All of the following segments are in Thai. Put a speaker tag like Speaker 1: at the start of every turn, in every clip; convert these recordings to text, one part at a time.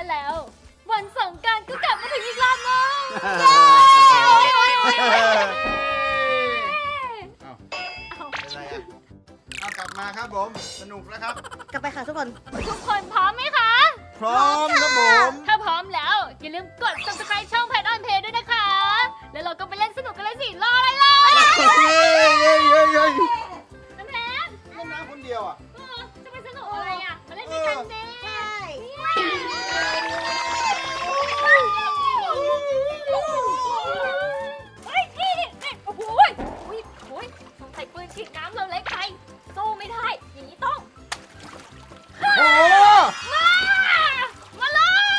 Speaker 1: แล้ววันสงกรานต์ก็กลับมาถึงอีกรอบนึง
Speaker 2: เป็นไรอ่ะเอากลับมาครับผมสนุกแล้วครับ
Speaker 3: กลับไปค่ะทุกคน
Speaker 1: ทุกคนพร้อมไหมคะ
Speaker 2: พร้อมครับผม
Speaker 1: ถ้าพร้อมแล้วอย่าลืมกด subscribe ช่อง Pet on Play ด้วยนะคะ แล้วเราก็ไปเล่นสนุกกันเลยสิ รออะไรล่ะ น้ำแพน
Speaker 2: เล่นน้ำคนเดียวอ่ะ
Speaker 1: จะไปสนุกอะไรอ่ะ มาเล่นด้วยกันสิ
Speaker 3: ใช่
Speaker 1: เฮ้ยนี่โอ้โหสงสัยปืนฉีดน้ำเราเล็กไปสู้ไม่ได้ อย่างนี้ต้อง
Speaker 2: โอ้
Speaker 1: มาเลย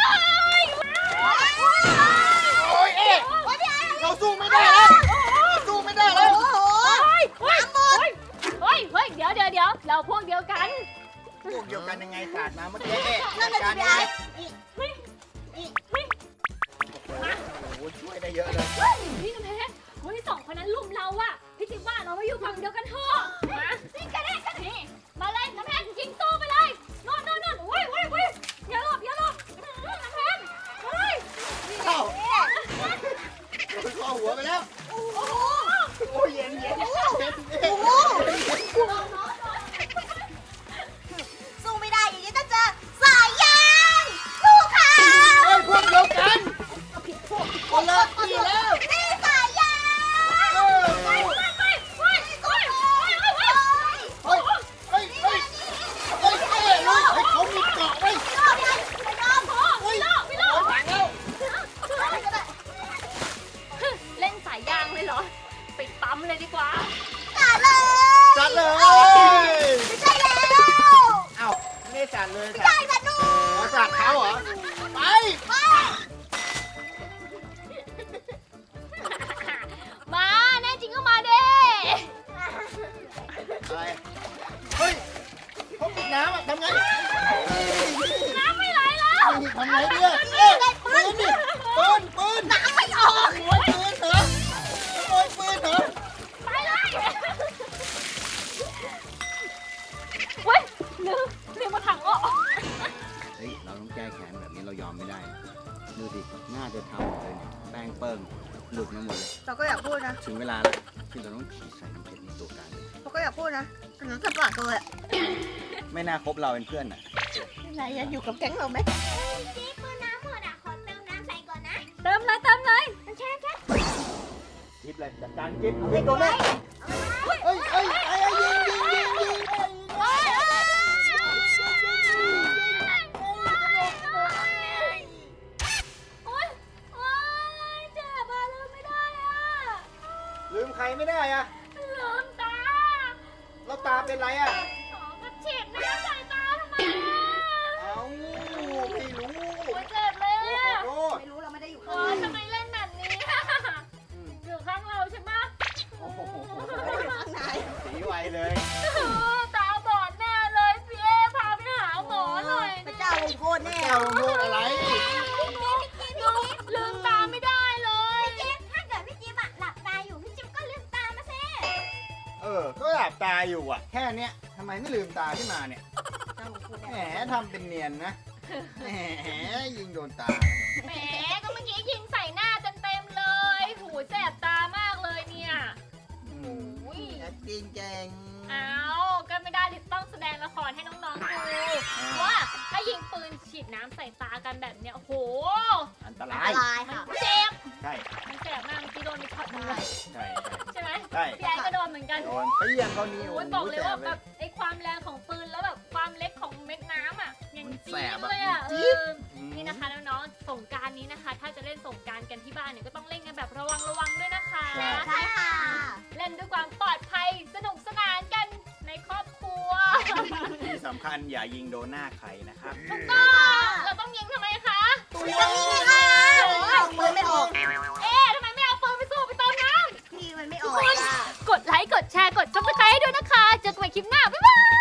Speaker 2: โอ้ยเอ๊ะเราสู้ไม่ได้แล้วสู้ไม่ได้แล้ว
Speaker 1: เฮ้ย เดี๋ยวเราพวกเดียวกัน
Speaker 2: พวกเดียวกันยังไงสาดมาเมื่อกี้เอ๊ะ
Speaker 3: นั่นน่ะ
Speaker 2: กา
Speaker 3: สิ
Speaker 2: ร
Speaker 3: พี่
Speaker 2: นี้
Speaker 3: ไอ้
Speaker 2: โอ้โหช่วยได้เยอะเลย
Speaker 1: นี่นะแม่เฮ้ยสองคนนั้นลุมเราอะพี่จิ๊บว่าเราไม่อยู่ฝั่งเดียวกันเถอะมานี่กันนี่มาเลยน้ำแพนยิงสู้ไปเลยโน่นโอ้ยอย่าหลบน้ำแพนเฮ้ย
Speaker 2: เอ้าโดนข้อหัวไปแล้ว
Speaker 1: โอ้โห
Speaker 2: โอ้ยเย็นเย็น
Speaker 3: โอ้โหสู้ไม่ได้อย่างนี้ต้องเจอสายยางสู้ค่ะ
Speaker 2: เฮ้ยพวกเดียวกันคนละที่แล้ว
Speaker 3: นี่สายยาง
Speaker 2: เออ
Speaker 1: เฮ้ย
Speaker 2: เฮ้ยเฮ้ยเฮ้ยเฮ้ยเขามีเกาะไว้
Speaker 1: พี่โล
Speaker 2: ต่างแล้ว
Speaker 1: เล่นสายยางเลยเหรอไปปั๊มเลยดีกว่า
Speaker 2: จัดเลย
Speaker 3: ไม่ใช่แล้ว
Speaker 2: เอ้าไม่ได้จัดเลย
Speaker 3: ใช่สนุก
Speaker 2: จัดเขาเหรอไป
Speaker 1: มาแน่จริงก็มาเด้
Speaker 2: อะไรเฮ้ยเขาปิดน้ำอ่ะทำไง
Speaker 1: น้ำไม่ไหลแล้ว
Speaker 2: ทำไงเนี่ยเอ๊ะปืนดิปืน
Speaker 3: น้ำไม่ออก
Speaker 2: ขโมยปืนเหรอขโมยปืนเหรอ
Speaker 1: ไปเลยเว้ยลืมมาถังออก
Speaker 4: เฮ้ยเราต้องแก้แค้นแบบนี้เรายอมไม่ได้นะดูดิหน้าจะทำหมดเลยเนี่ยแป้งเปิ้งหลุดมาหมดเลย
Speaker 3: เราก็อยากพูดนะ
Speaker 4: ถึงเวลาแล้วที่เราต้องฉีดใส่น้ำเพชรในตัวกันเลย
Speaker 3: เราก็อยากพูดนะแต่หนูจะปากตัวเลย
Speaker 4: ไม่น่าคบเราเป็นเพื่อนอ่ะ
Speaker 3: นายยังอยู่กับแก๊งเราไหม
Speaker 5: จิ๊บมือน้ำหมดอ่ะ ขอเติมน้ำใส่ก่อนนะ
Speaker 1: เติมเลย
Speaker 5: มันแช่
Speaker 4: จิ๊บเลยจัดการจิ๊บ
Speaker 3: ให้ตัวแม่
Speaker 2: เฮ้ยยิง
Speaker 1: โอ๊ยเจ็บอะลืมไม่ได้อะ
Speaker 2: ลืมใครไม่ได้อะ
Speaker 1: ลืมตา
Speaker 2: แล้วตาเป็นไรอะ
Speaker 1: ขอก็ฉีดน้ำใส่ตาทำไมอะ
Speaker 2: เอ้าไม่รู้
Speaker 1: โอ๊ยเจ็บเลยอะ
Speaker 2: ขอโทษ
Speaker 3: ไม่รู้เราไม่ได้อยู่
Speaker 1: โอ๊ยทำไมเล่นแบบนี้อะอยู่ข้างเราใช่ไหม
Speaker 2: โอ้โห
Speaker 3: ข้างใน
Speaker 2: สีไวเลย
Speaker 1: ตาบอดแน่เลยพี่เอพาไปหาหมอหน่อย
Speaker 3: พระเจ้าลงโทษแน่
Speaker 2: แก้วโทษอะไร
Speaker 1: ลืมตาไม่ได้เลย
Speaker 5: พี่จิ๊บถ้าเกิดพี่จิ๊บอะหลับตาอยู่ พี่จิ๊บก็ลืมตามาสิ
Speaker 2: ก็หลับตาอยู่อ่ะ แค่เนี้ยทำไมไม่ลืมตาขึ้นมาเนี่ย
Speaker 3: เจ้าลงโทษ
Speaker 2: แหม
Speaker 3: แน่
Speaker 2: ทำเป็นเนียนนะ แหมยิงโดนตา
Speaker 1: แหมก็เมื่อกี้ยิงใส่หน้าเต็มๆเลยหูแสบตามากเลยเนี่ย อุ้ย
Speaker 2: จริงเก่ง
Speaker 1: เอาก็ไม่ได้ดิต้องแสดงละครให้น้องๆดูว่าถ้ายิงปืนฉีดน้ำใส่ตากันแบบเนี้ยโอ้โห
Speaker 2: อันต
Speaker 3: อั
Speaker 2: ราน ย
Speaker 3: ตราย
Speaker 1: มัน
Speaker 3: ค่ะ
Speaker 1: เจ็บ
Speaker 2: ใช่
Speaker 1: มันแสบมากเมื่อกี้โดนไปช็อตหนึงเลย
Speaker 2: ใช่
Speaker 1: ใช่ไหม
Speaker 2: ใช่
Speaker 1: พี่ไอ้ก็โดนเหมือนกัน
Speaker 2: โดนเปี้ยงเขานิ้ว
Speaker 1: โอ้ยบอกเลยว่าแบบไอ้ความแรงของปืนแล้วแบบความเล็กของเม็ดน้ำอ่ะยังจี๊ดเลยอ่ะนี่นะคะน้องๆสงกรานต์นี้นะคะ ถ้าจะเล่นสงกรานต์กันที่บ้านเนี่ยก็ต้องเล่นกันแบบระวังด้วยนะคะ
Speaker 3: ใช่ค่ะ
Speaker 1: เล่นด้วยความปลอดภัยสนุกสนานกันในครอบครัว
Speaker 4: ที่สำคัญอย่ายิงโดนหน้าใครนะครับ
Speaker 1: เราต้องยิงทำไมคะ
Speaker 3: ตัวนี้ค่ะเอาปืนไม่ออก
Speaker 1: ทำไมไม่เอาปืนไปสู้ไปเติมน้
Speaker 3: พี่มันไม่ออกอ่ะ
Speaker 1: ำกดไลค์กดแชร์กดซับสไครต์ด้วยนะคะเจอกันใหม่คลิปหน้าบ๊ายบาย